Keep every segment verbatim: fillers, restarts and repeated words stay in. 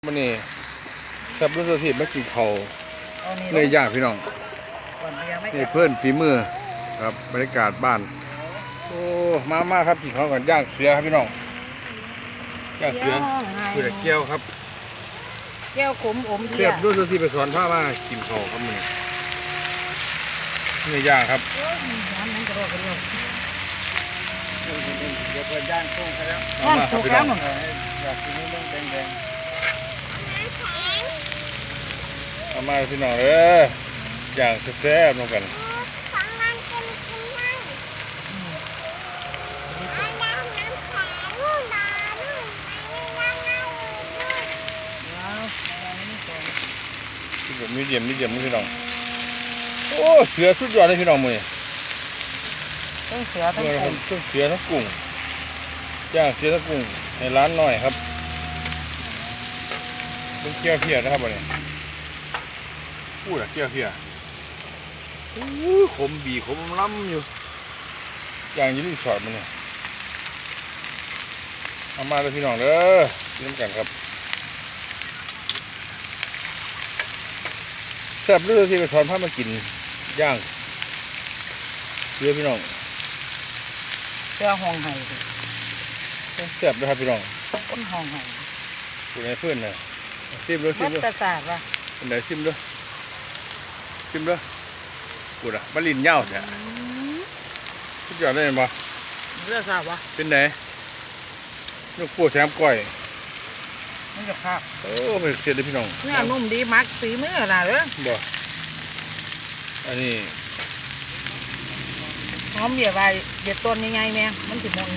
มันนี่แซ่บรู้สึกที่ไม่กินเขาเนื้อย่างพี่น้องนี่เพื่อนฝีมือครับบรรยากาศบ้านโอ้มามาครับกินเขาก่อนย่างเสือครับพี่น้องย่างเสือเสือเกี้ยวครับแก้วขมอมเทียแซ่บรู้สึกที่ไปสอนผ้ามากินเขาครับมันเนื้อย่างครับน้ำนั้นกระโดดกระโดดเดี๋ยวเปิดย่างกุ้งเขาแล้วมามาครับพี่น้องอยากกินเรื่องแดงมามาพี่น้องเออย่างแซ่บๆลงกันผมมีเดียมมีเดียมนี่พี่น้องโอ้เสือสุดยอดเลยพี่น้องมือต้องเสือต้องกุ้งต้องเสือทั้งกุ้งย่างเสือทั้งกุ้งในร้านหน่อยครับต้องเกี่ยวเพียนะครับวันนี้พูดอะเกี่ยวเพียขมบีขมล้ำอยู่ย่างยี่รีสอร์ทมันเนี่ยเอามาเลยพี่น้องเด้อกินกันครับแซ่บเรื่องที่ไปสอนพามากินย่างเสือพี่น้องเสือห้องไห้แซ่บนะครับพี่น้องต้นห้องไห้ปูในเพื่อนน่ะซิมด้วยซิมด้วยมัตตาว่ะเป็นไหนซิมด้วยซิมด้วยปูอ่ะมะลินเน่าเนี่ยทุกอย่างได้ไหมบ่เรื่องทราบวะเป็นไหนลูกปูแซมก้อยมันจะภาพโอ้เป็นเสียเลยพี่น้องเนื้อนุ่มดีมักสีมือน่ะเลยบ่อันนี้หอมเบียร์ใบเบียร์ต้นยังไงแม่มันสิมุน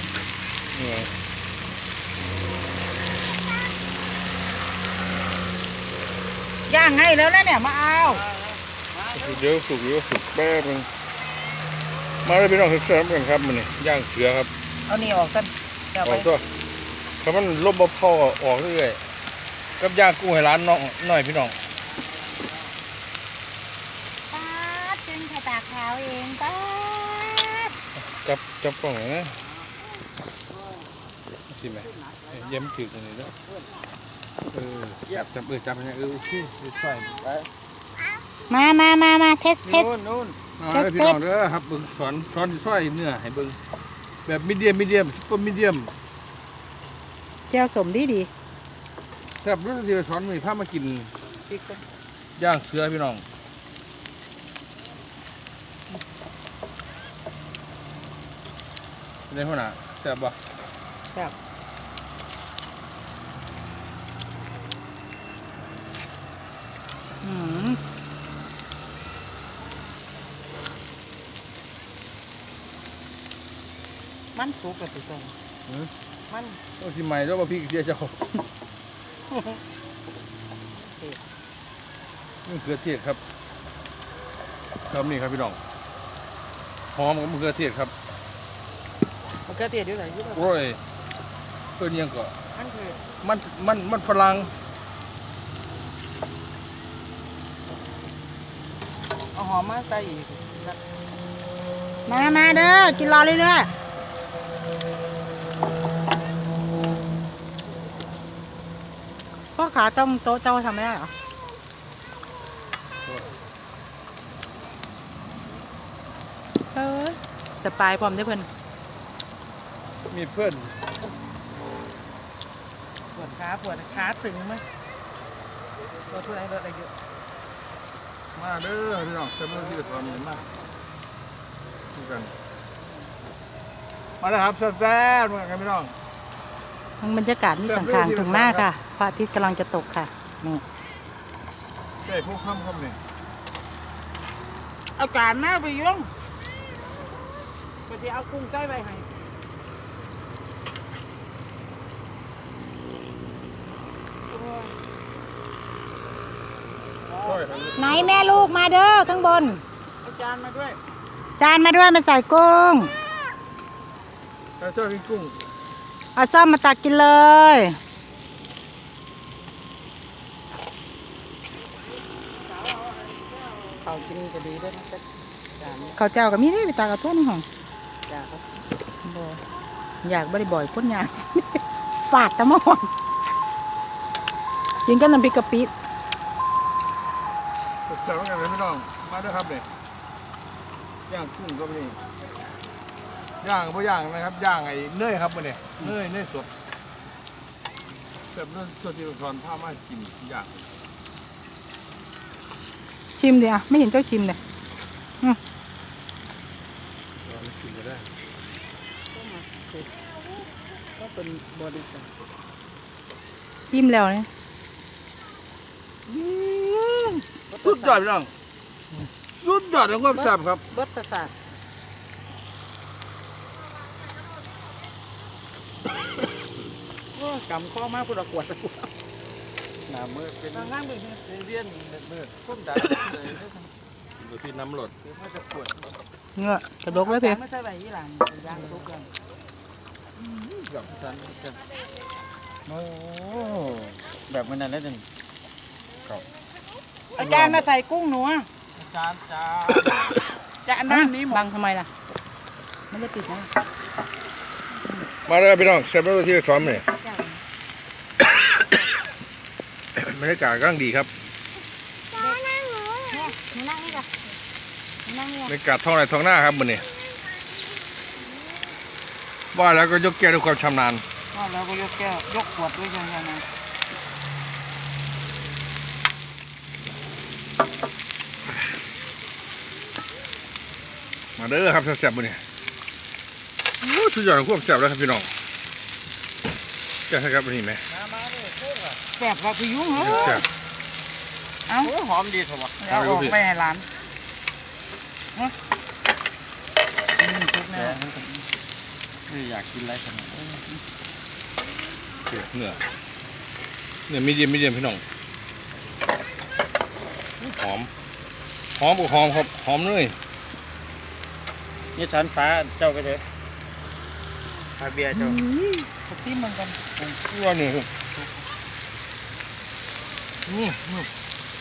ย่างให้แล้วนะเนี่ยมาเอาเดี๋ยวสุกเดี๋ยวสุกแป๊บนึงมาเลยพี่น้องแซ่บกันครับมันนี่ย่างเสือครับเอานี่ออกกันออกตัวถ้ามันลบบ่พอออกเรื่อยๆกับย่างกุ้งให้ร้านน้องหน่อยพี่น้องป้าจึงแค่ตาขาวเองป้าจับจับกล่องนะสิไหมเยี่ยมถือตรงนี้แล้วเออจับจับเออจับยังไงเออโอเคใส่ไปมามามามาเทสเทสนู่นนู่นเอาให้พี่น้องเด้อครับเบิ่งสอนสอนซอยเนื้อให้เบิ่งแบบมีเดียมมีเดียมซุปเปอร์มีเดียมแก้วสมดีดีแซ่บรู้สึกที่สอนมีผ้ามากินย่างเสือพี่น้องในหัวหน้าแซ่บบ่แซ่บอืมมันสุกกับตัวต้นมันโอ้ที่ใหม่แล้วมาพี่เสียเจ้านี่เกลือเทศครับครับนี่ครับพี่น้องหอมกับมะเขือเทศครับมะเขือเทศอยู่ไหนอยู่ไหนโอ้ยตัวนี้ยังก็มันคือมันมันมันฝรั่งเอาหอมมาใส่อีกมามาเด้อกินรอเรื่อยๆพ่อขาต้องโต๊ะเจ้าทำไม่ได้เหรอเออสปายพร้อมได้เพื่อนมีเพื่อนปวดขาปวดขาตึงไหมตัวทุเรศอะไรเยอะมาเด้อพี่น้องเสมอที่ตอนนี้มาดูกันมาแล้วครับแซ่บๆเหมือนกันพี่น้องทั้งบรรยากาศนี่ต่างๆถึงหน้าค่ะพระอาทิตย์กำลังจะตกค่ะนี่ใช่พวกข้ามข้ามนี่เอาการมาไปยุ่งไปที่เอากุ้งใส่ไปให้ไหนแม่ลูกมาเด้อข้างบนจานมาด้วยจานมาด้วยมาใส่กุ้งแล้วชอบกินกุ้งเอาซ่อมมาตักกินเลยเขากินก็ดีด้วยนะเขาเจ้ากับมีได้ไปตากระตุ้นของอยากอยากบริบ่อยพ้นยาฝาดตะมอนกินกับน้ำพริกกะปิแซ่บๆกันเลยพี่น้องมาด้วยครับเนี่ยย่างกุ้งก็มีย่างก็ย่างนะครับย่างไอ้เนยครับมันเนี่ยเนยเนยสดแบบนั้นตัวที่เราสอนผ้ามากินย่างชิมดิอ่ะไม่เห็นเจ้าชิมเลยกินก็ได้ก็เป็นบริษัทชิมแล้วเนี่ยสุดยอดพี่น้องสุดยอดของความแซ่บครับเบิดประสาทกำข้อมากพูดขวดหนามือเป็นทางล่างเป็นเวียนมืดก้มดันเลยดูที่น้ำหลดมันจะปวดเงือกกระดกเลยเพียงไม่ใช่ใบยี่หลังย่างทุกอย่างกับสันโอ้แบบมันนั่นแล้วนี่อาจารย์มาใส่กุ้งหนูจานจานจะอันนั้นนี้หมดบังทำไมล่ะไม่ได้ปิดนะมาเลยครับพี่น้องแซ่บแล้วที่เราสอนเนี่ยบรรยากาศกำลังดีครับหนูนั่งนี่จ้ะหนูนั่งนี่บรรยากาศท้องไร่ท้องหน้าครับมันนี่ว่าแล้วก็ยกแก้วด้วยความชำนาญแล้วก็ยกแก้วยกขวดด้วยยังไงนะมาเด้อครับแซ่บๆมันนี่สุดยอดของความแซ่บแล้วครับพี่น้องแซ่บครับวันนี้ไหมแสบกับพยุงเหรอแซ่บเอ้าหอมดีถูกป่ะแล้วออกไปให้ร้านนี่ซุปเนี่ยไม่อยากกินอะไรขนาดเนื้อเนื้อมีเดียมมีเดียมพี่น้องหอมหอมกับหอมครับหอมเลยนี่ชั้นฟ้าเจ้าไปเถอะพาเบียร์เจ้าก็ซิมเหมือนกันว่าเนื้อครับอืมอืม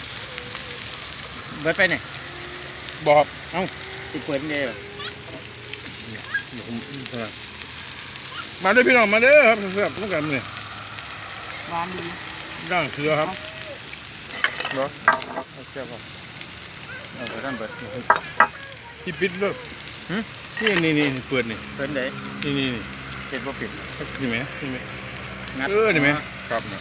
เบิดไปเนี่ยบอกครับติดเปิดเนี่ยเดี๋ยวผมเออมาเด้อพี่น้องมาเด้อครับแซ่บๆต้องกันเนี่ยร้านดีย่างเสือครับเนาะเจ้าป่ะเอาไปด้านเบิดที่ปิดเลยนี่นี่นี่เปิดนี่เปิดไหนนี่นี่นี่เปิดบ่ปิดนี่ไหมนี่ไหมงัดเออนี่ไหมครับเนี่ย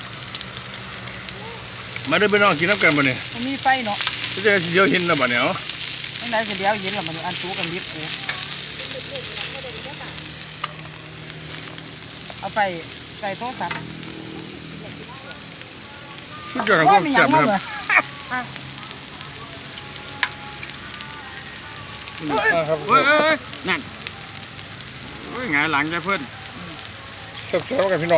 มาเด้อพี่น้องกินน้ำกันบ่เนี่ยมันมีไฟเนาะจะได้เดี๋ยวเห็นแล้วบ่เนี่ยเอาตั้งแต่เดียวเย็นแล้วมันอันตู้กันนิดกูเอาไปใส่โต๊ะสัตว์สุดยอดของความแซ่บนะครับอ่าครับเฮ้ยนั่นโอ้ยหงายหลังจะเพื่อนแซ่บๆกันพี่น้อง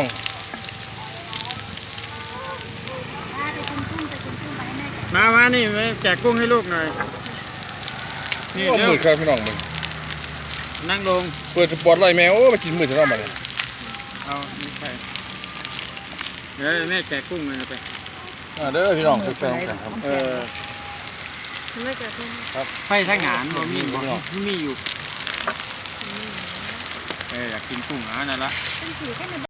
มามานี่ไปแจกกุ้งให้ลูกหน่อยนี่โอ้เดี๋ยวมืดครับพี่น้องมึงนั่งลงเปิดสปอร์ตไลท์แมวโอ้มากินมืดจะต้องมาเนี่ยเอานี่ไปเดี๋ยวแม่แจกกุ้งเลยไปอ่าเด้อพี่น้องแซ่บๆกันครับเออไฟทางหานบ่มีบ่มีอยู่เอออยากกินกุ้งอ่ะนั่นละ